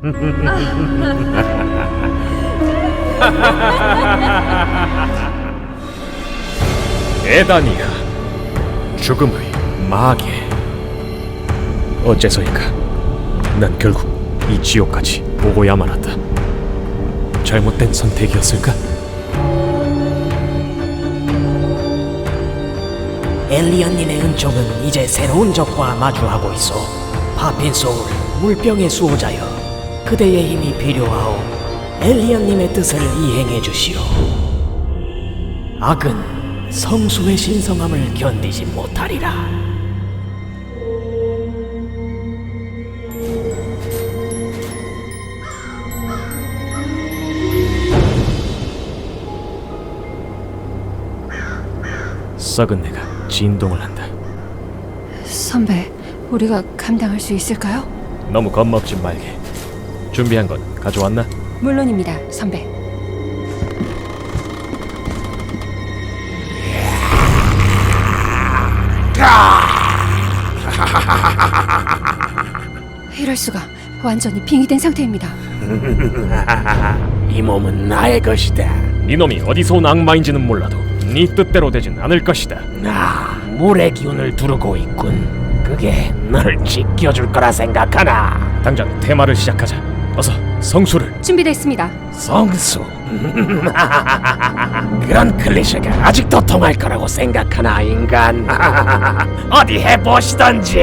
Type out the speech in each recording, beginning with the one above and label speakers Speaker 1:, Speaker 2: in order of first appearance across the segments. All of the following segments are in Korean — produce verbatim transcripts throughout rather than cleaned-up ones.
Speaker 1: 에다니아, 죽음의 마계. 어째서일까? 난 결국 이 지옥까지 오고야만 한다. 잘못된 선택이었을까?
Speaker 2: 엘리언님의 은총은 이제 새로운 적과 마주하고 있어. 파핀 소울, 물병의 수호자여, 그대의 힘이 필요하오. 엘리언님의 뜻을 이행해 주시오. 악은 성수의 신성함을 견디지 못하리라.
Speaker 1: 썩은 내가 진동을 한다.
Speaker 3: 선배, 우리가 감당할 수 있을까요?
Speaker 1: 너무 겁먹지 말게. 준비한 건 가져왔나?
Speaker 3: 물론입니다, 선배. 이럴 수가, 완전히 빙의된 상태입니다.
Speaker 2: 이 몸은 나의 것이다.
Speaker 1: 이놈이 어디서 온 악마인지는 몰라도 네 뜻대로 되진 않을 것이다.
Speaker 2: 나 물의 기운을 두르고 있군. 그게 널 지켜줄 거라 생각하나?
Speaker 1: 당장 테마를 시작하자. 어서 성수를.
Speaker 3: 준비됐습니다.
Speaker 2: 성수. 그런 클리셰가 아직도 통할 거라고 생각하나, 인간? 어디 해보시던지.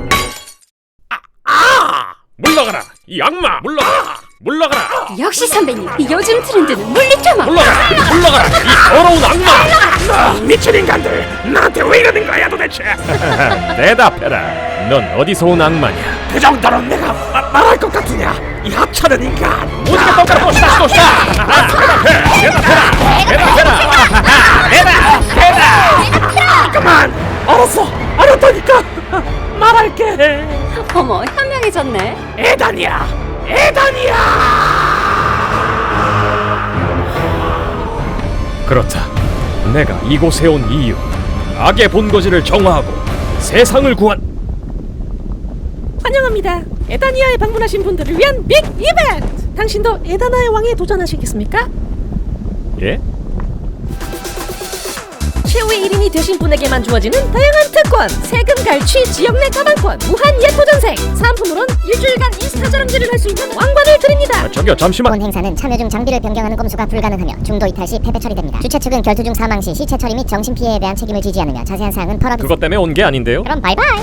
Speaker 1: 물러가라, 이 악마! 물러가라! 물러가라!
Speaker 3: 역시 선배님, 요즘 트렌드는 물리트마.
Speaker 1: 물러가라! 물러가라! 이 더러운 악마!
Speaker 2: 미친 인간들, 나한테 왜 이러는 거야 도대체?
Speaker 1: 대답해라. 넌 어디서 온 악마냐?
Speaker 2: 그 정도로 내가 마, 말할 것 같으냐? 이 하찮은 인간.
Speaker 1: 오지게 똥가루 뽀시다 뽀시다! 대답해! 대답해라! 대답해라! 대답!
Speaker 2: 그만. 알았어, 알았다니까. 말할게.
Speaker 3: 어머, 현명해졌네.
Speaker 2: 에다니아, 에다니아.
Speaker 1: 그렇다. 내가 이곳에 온 이유, 악의 본거지를 정화하고 세상을 구한.
Speaker 4: 환영합니다. 에다니아에 방문하신 분들을 위한 빅 이벤트! 당신도 에다나의 왕에 도전하시겠습니까?
Speaker 1: 예?
Speaker 4: 최후의 일 인이 되신 분에게만 주어지는 다양한 특권, 세금 갈취, 지역 내 가방권, 무한 예토 전생, 사은품으로는 일주일간 인스타 자랑질을 할 수 있는 왕관을 드립니다.
Speaker 1: 아, 저기요, 잠시만.
Speaker 5: 본 행사는 참여 중 장비를 변경하는 꼼수가 불가능하며 중도 이탈 시 패배 처리됩니다. 주최 측은 결투 중 사망 시 시체 처리 및 정신 피해에 대한 책임을 지지 않으며 자세한 사항은 펄업.
Speaker 1: 그것 때문에 온 게 아닌데요.
Speaker 5: 그럼 바이바이.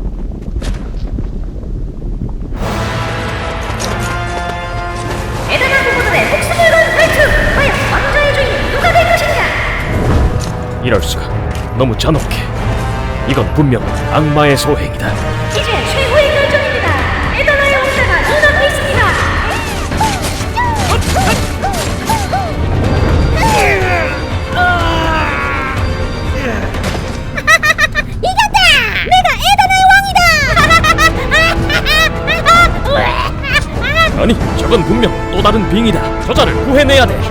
Speaker 4: 에다나 부부들의 목숨을 건 갈투! 과연 왕좌의 주인은 누가 될 것인가?
Speaker 1: 이럴 수가. 너무 잔혹해. 이건 분명 악마의 소행이다.
Speaker 4: 이제 최후의 결정입니다. 에다나의 왕자가 눈앞에 있습니다.
Speaker 5: 이겼다! 내가 에다나의 왕이다!
Speaker 1: 아니, 저건 분명 또 다른 빙이다. 저자를 구해내야 돼.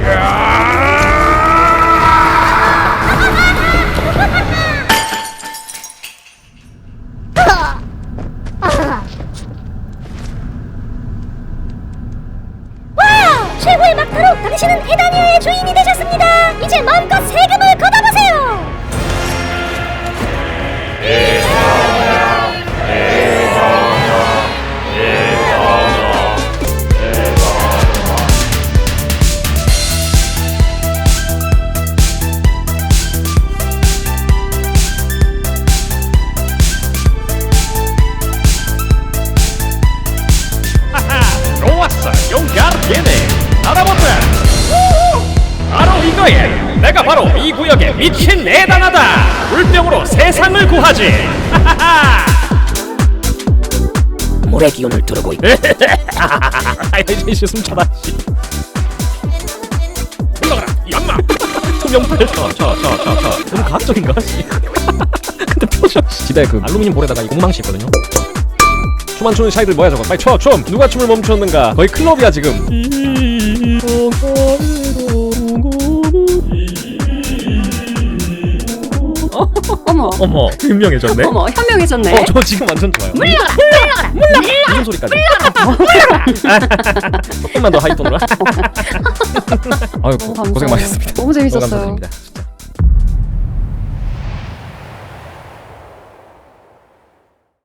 Speaker 5: 와우! 최고의 막타로 당신은 에다니아의 주인이 되셨습니다. 이제 마음껏 세금을 걷어보세요.
Speaker 1: 좋았어, 용감하네. 알아보자. 바로 이거야. 내가 바로 이 구역의 미친 에다나다. 물병으로 세상을 구하지.
Speaker 2: 물의 기운을 두르고 있고.
Speaker 1: 아이, 숨차다. 올라가라, 이 악마. 투명팔. 저저저저 너무 과학적인가? 근데 표정. 집에 그 알루미늄 볼에다가 이 공망치 있거든요. 춤 안 추는 샤이들 뭐야 저거? 빨리 춰 춤! 누가 춤을 멈췄는가? 거의 클럽이야 지금.
Speaker 3: 어머,
Speaker 1: 어머 현명해졌네.
Speaker 3: 어머, 현명해졌네.
Speaker 1: 어, 저 지금 완전 좋아요.
Speaker 3: 물러가라, 물러가라, 물러가라.
Speaker 1: 무슨 소리까지? 조금만 더 하이톤으로. 아유
Speaker 3: 너무
Speaker 1: 고- 고생
Speaker 3: 감사해요.
Speaker 1: 많으셨습니다.
Speaker 3: 너무 재밌었어요.
Speaker 1: 감사드립니다.